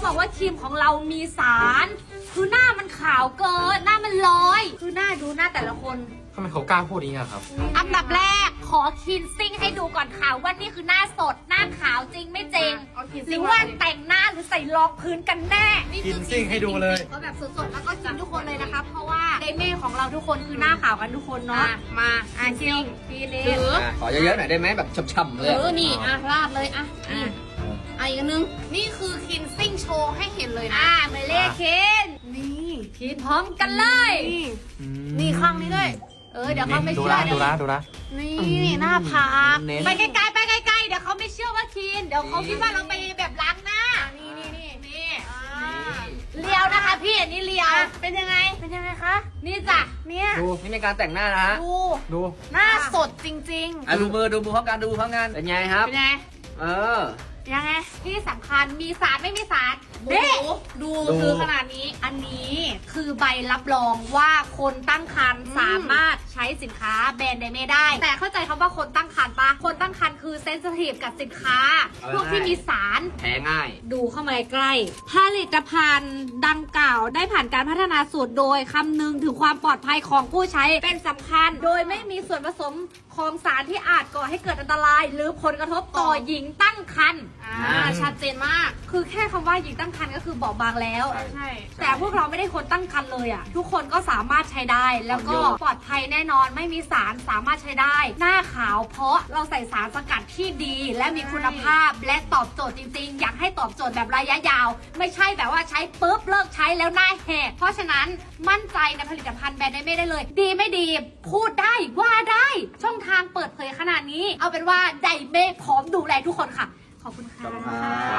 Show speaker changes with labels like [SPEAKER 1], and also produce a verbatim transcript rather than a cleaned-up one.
[SPEAKER 1] บอกว่าครีมของเรามีสารคือหน้ามันขาวเกินหน้ามันลอยคือหน้าดูหน้าแต่ละคน
[SPEAKER 2] ทำไมเขากล้าพูดอย่างนี้ครับ
[SPEAKER 1] อันดับแรกขอคินซิ่งให้ดูก่อนค่ะว่านี่คือหน้าสดหน้าขาวจริงไม่จริงหรือว่าแต่งหน้าหรือใส่รองพื้นกันแน่
[SPEAKER 2] คินซิ่งให้ดูเลย
[SPEAKER 1] ก็แบบสดๆแล้วก็กินทุกคนเลยนะคะเพราะว่าไดเม่ของเราทุกคนคือหน้าขาวกันทุกคนเนาะมาอ่ะคิวพีเนส
[SPEAKER 3] ขอเยอะๆหน่อยได้ไหมแบบช่ำๆเลย
[SPEAKER 1] เออนี่อ่ะราดเลยอ่ะนี่อ่ะอีกนึงนี่คือคินซิ่งโชว์ให้เห็นเลยนะอ่ะเมเล่เคนนี่คินพร้อมกันเลยนี่ข้างนี้ด้วยเออเดี๋ยวเขาไม่เชื่อ
[SPEAKER 2] ดูนะดูนะ
[SPEAKER 1] นี่หน้าผากไปไกลๆไปไกลๆเดี๋ยวเขาไม่เชื่อว่าคินเดี๋ยวเขาคิดว่าเราไปแบบล้างหน้านี่นี่นี่นี่เลียวนะคะพี่อันนี้เลียวเป็นยังไงเป็นยังไงคะนี่จ้ะเนี่ย
[SPEAKER 3] ดูนี่เป็นการแต่งหน้านะฮะ
[SPEAKER 1] ดู
[SPEAKER 2] ดู
[SPEAKER 1] หน้าสดจริง
[SPEAKER 3] ๆอ่ะดูมือดูมือพร้อมกันดูพร้อมกันเป็นไงครับ
[SPEAKER 1] เป็นไง
[SPEAKER 3] เออ
[SPEAKER 1] ยังไงที่สำคัญมีสารไม่มีสารเด็ดูคือขนาดนี้อันนี้คือใบรับรองว่าคนตั้งครรภ์สามารถใช้สินค้าแบรนด์ไดเม่ได้แต่เข้าใจคำว่าคนตั้งครรภ์ปะคนตั้งครรภ์คือเซนซิทีฟกับสินค้าพวกที่มีสาร
[SPEAKER 3] แพ้ง่าย
[SPEAKER 1] ดูเข้ามาใกล้ผลิตภัณฑ์ดังกล่าวได้ผ่านการพัฒนาสูตรโดยคำนึงถึงความปลอดภัยของผู้ใช้เป็นสำคัญโดยไม่มีส่วนผสมของสารที่อาจก่อให้เกิดอันตรายหรือผลกระทบต่อหญิงตั้งครรภ์ชัดเจนมากคือแค่คำว่าหญิงตั้งครรภ์ก็คือบอกบางแล้วใช่แต่พวกเราไม่ได้คนตั้งครรภ์เลยอ่ะทุกคนก็สามารถใช้ได้แล้วก็ปลอดภัยแน่นอนไม่มีสารสามารถใช้ได้หน้าขาวเพราะเราใส่สารสกัดที่ดีและมีคุณภาพและตอบโจทย์จริงๆอยากให้ตอบโจทย์แบบระยะยาวไม่ใช่แบบว่าใช้ปุ๊บเลิกใช้แล้วหน้าแหกเพราะฉะนั้นมั่นใจในผลิตภัณฑ์แบรนด์ไดเม่ได้เลยดีไม่ดีพูดได้ว่าได้ช่องทางเปิดเผยขนาดนี้เอาเป็นว่าไดเม่พร้อมดูแลทุกคนค่ะขอบคุณค่ะ